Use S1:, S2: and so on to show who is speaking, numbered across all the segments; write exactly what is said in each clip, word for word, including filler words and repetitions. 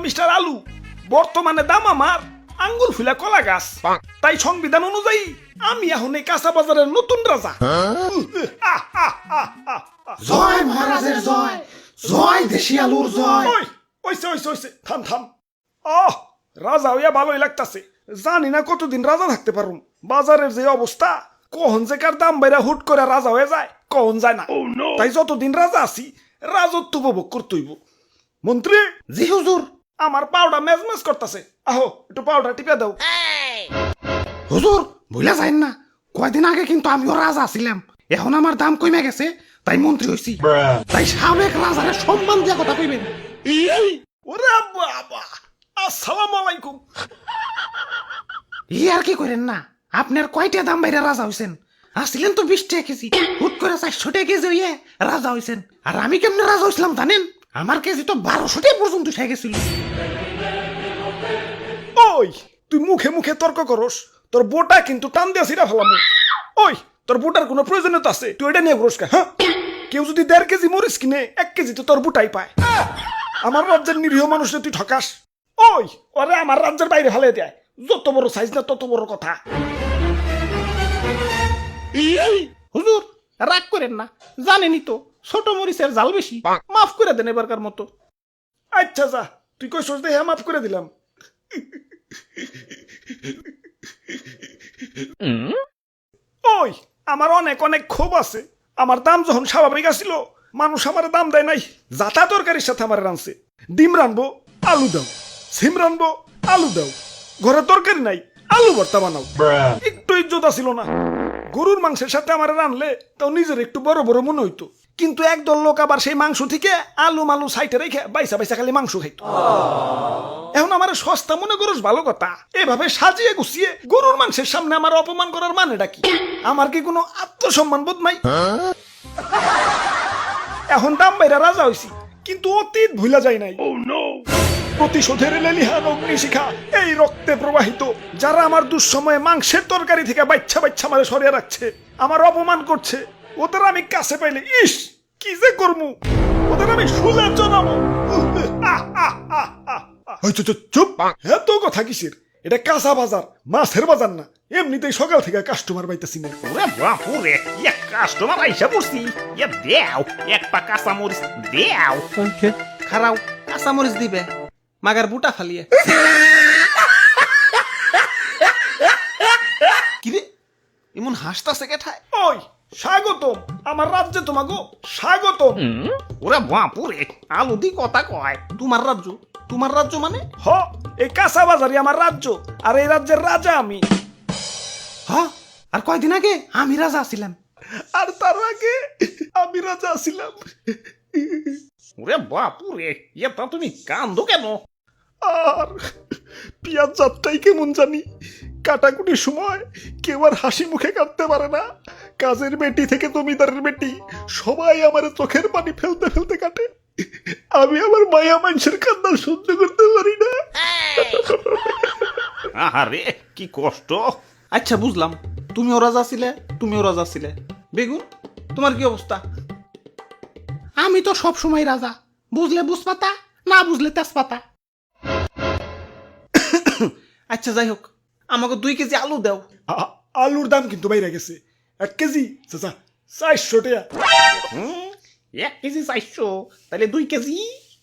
S1: Mister আলু, বর্তমানে দাম আমার আঙ্গুর ফুলা কলা গাছ। তাই সংবিধান অনুযায়ী আমি এখন এই কাঁচা বাজারের নতুন রাজা। আহ, আহ, আহ, আহ, আহ।
S2: জয় মহারাজের জয়, জয় দেশি আলুর জয়।
S1: ওই ওইসে ওইসে ওইসে থাম থাম। আহ, রাজা হইয়া ভালোই লাগতাছে। জানি না কতদিন রাজা থাকতে পারুম। বাজারের যে অবস্থা, কখন যে কার দাম বাইরা হুট করে রাজা হয়ে যায় কখন যায় না। তাই যতদিন রাজা আছি রাজত্ব উপভোগ করতেইব। মন্ত্রী,
S2: জি হুজুর।
S1: আমার পাউডার মেজমেজ করতেছে, আহো একটু পাউডার টিপে দাও।
S2: হুজুর ভুলে যাইন না, কয়দিন আগে কিন্তু আমিও রাজা ছিলাম, এখন আমার দাম কমে গেছে তাই মন্ত্রী হইছি। তাই সাবেক রাজারে সম্মান দিয়া কথা কইবেন।
S1: ওরে বাবা, আসসালামু আলাইকুম।
S2: ই আর কি করেন না, আপনার কয়টা দাম বাইরে রাজা হইছেন? আসছিলেন তো বিশ টাকা কেজি, হুট করে চারশো টাকা কেজি হইয়ে রাজা হইছেন। আর আমি কেমনে রাজা হইছিলাম জানেন? আমার কেজি তো বারোশো টাকা পর্যন্ত উঠে গেছিল।
S1: ওই তুই মুখে মুখে তর্ক করস, তোর বোটা কিন্তু টান দিয়া ছিড়া ফেলাম। ওই তোর বোটার কোনো প্রয়োজনীয়তা আছে? তুই এটা নিয়ে ঘুরস কা? হ্যাঁ, কেউ যদি দেড় কেজি মরিচ কিনে এক কেজি তো তোর বুটাই পায়। আমার রাজ্যের নিরীহ মানুষে তুই ঠকাস। ওই ওরে আমার রাজ্যের বাইরে ফেলে দেয়। যত বড় সাইজ না তত বড় কথা।
S2: হুজুর রাগ করেন না, জানেনই তো ছোট মরিচের জাল বেশি, মাফ করে দেন এবারকার মতো।
S1: আচ্ছা যা, তুই কই সোচ দেখে মাফ করে দিলাম। ওই আমার অনেক অনেক ক্ষোভ আছে। আমার দাম যখন স্বাভাবিক আসিল, মানুষ আমার দাম দেয় নাই। যাতা তরকারির সাথে আমার রানছে। ডিম রানবো, আলু দাও। সিম রানবো, আলু দাও। ঘরে তরকারি নাই, আলু ভর্তা বানাও। একটু ইজ্জত ছিল না। গরুর মাংসের সাথে আমার রানলে তাও নিজের একটু বড় বড় মনে হইতো। কিন্তু একদল লোক আবার সেই মাংস থেকে আলু মালু সাইটে রেখে বাইসা বাইসা খালি মাংস খাইতো। এখন আমার সস্তা মনে করস ভালো কথা, এভাবে সাজিয়ে গুছিয়ে গরুর মাংসের সামনে আমার অপমান করার মানেটা কি? আমার কি কোনো আত্মসম্মান বোধ নাই? এখন দাম বাইরা রাজা হইছি, কিন্তু অতীত ভুলা যায় নাই। প্রতিশোধের লেলিহান অগ্নিশিখা এই রক্তে প্রবাহিত। যারা আমার দুঃসময়ে মাংসের তরকারি থেকে বাচ্চা বাচ্চা মারে সরিয়ে রাখছে, আমার অপমান করছে, ওদের আমি কাছে পাইলে ইস কি যে করমু, ওদের আমি শুলে জানাবো। চুপ, এত কথা কিসের? এটা কাঁচা বাজার, মাছের বাজার না। এমনিতেই সকাল থেকে কাস্টমার পাইতেছি না।
S3: ওরে বাপুরে, এক কাস্টমার আইসা পড়ছি। এ দেও এক পা কাঁচা মরিচ দেও।
S2: খারাও কাঁচা মরিচ দিবে, মাগার বুটা ফালিয়ে। কিরে এমন হাসতাছে কেঠায়?
S1: ওই স্বাগতম আমার রাজ্যে, তোমাগো স্বাগতম।
S3: ওরে বাপুরে, আলু দি কথা কয়।
S2: তোমার রাজ্য? তোমার রাজ্য মানে?
S1: হ, এই কাঁচা বাজারই আমার রাজ্য, আর এই রাজ্যের রাজা আমি।
S2: হ, আর কয়দিন আগে আমি রাজা ছিলাম।
S1: আর তার আগে আমি রাজা ছিলাম।
S3: ওরে বাপুরে, এটা তুমি কান্দো কেন?
S1: আর পিয়াজ যাত্রাই কেমন জানি, কাটাকুটির সময় কেউ আর হাসি মুখে কাটতে পারে না। কাজের বেটি থেকে জমিদারের বেটি সবাই আমার চোখের পানি ফেলতে ফেলতে কাটে। আমি আমার মায়া মানুষের কান্না সহ্য করতে পারি না।
S3: আহারে কি কষ্ট।
S2: আচ্ছা বুঝলাম, তুমিও রাজা ছিলে, তুমিও রাজা ছিলে। বেগুন তোমার কি অবস্থা? আমি তো সব সময় রাজা, বুঝলে বুঝপাতা, না বুঝলে তেজপাতা। আচ্ছা যাই হোক, আমাকে দুই কেজি আলু দাও।
S1: আ- আলুর দাম কিন্তু বাইরে গেছে। এক কেজি চাচা চারশো টাকা।
S3: হুম, এক কেজি চাইছো, তাহলে দুই কেজি।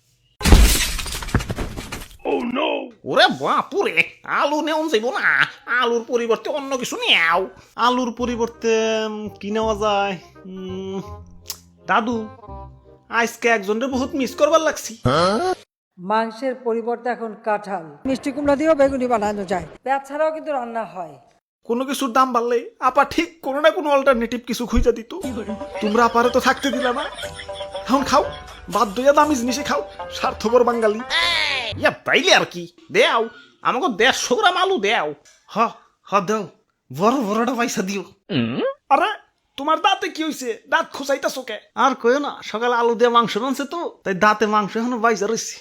S3: ওরে বাপুরে, আলু নেওয়া যাইব না। আলুর পরিবর্তে অন্য কিছু নেও।
S2: আলুর পরিবর্তে উম, কি নেওয়া যায়? উম, দাদু আজকে একজনের বহুত মিস করবার লাগছি।
S4: মাংসের পরিবর্তে এখন কাঁঠাল, মিষ্টি কুমড়া দিয়েও বেগুনি বানানো যায়। পেঁয়াজ ছাড়াও কিন্তু রান্না হয়।
S1: কোনো কিছুর দাম বাড়লে আপা ঠিক কোনো না কোনো অল্টারনেটিভ কিছু খুঁজে দিত। তোমরা আপারে তো থাকতে দিলা না। এখন খাও, বাধ্য হইয়া দামি জিনিসে খাও, স্বার্থপর বাঙালি।
S3: ইয়া তাইলে আর কি, দেও আমাকে দেড়শো গ্রাম আলু দেও।
S2: হ হ দাও, বড় বড়টা পয়সা দিও।
S1: আরে তোমার দাঁতে কি হইছে? দাঁত খোঁচাইতাছো কে?
S2: আর কইও না, সকালে আলু দিয়ে মাংস রানছে তো, তাই দাঁতে মাংস এখনো বাইজা রয়েছে।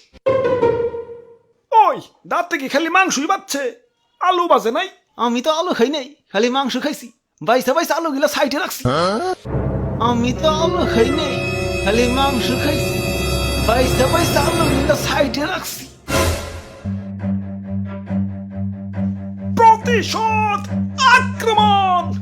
S1: ওই দাঁতে কি খালি মাংসই বাচ্ছে, আলু বাজে নাই?
S2: আমি তো আলু খাই নাই, খালি মাংস খাইছি। বাইসা বাইসা আলু গিলা সাইডে রাখছি। আমি তো আলু খাই নাই, খালি মাংস খাইছি। বাইসা বাইসা আলু গিলা সাইডে রাখছি।
S1: প্রতিশোধ আক্রমণ।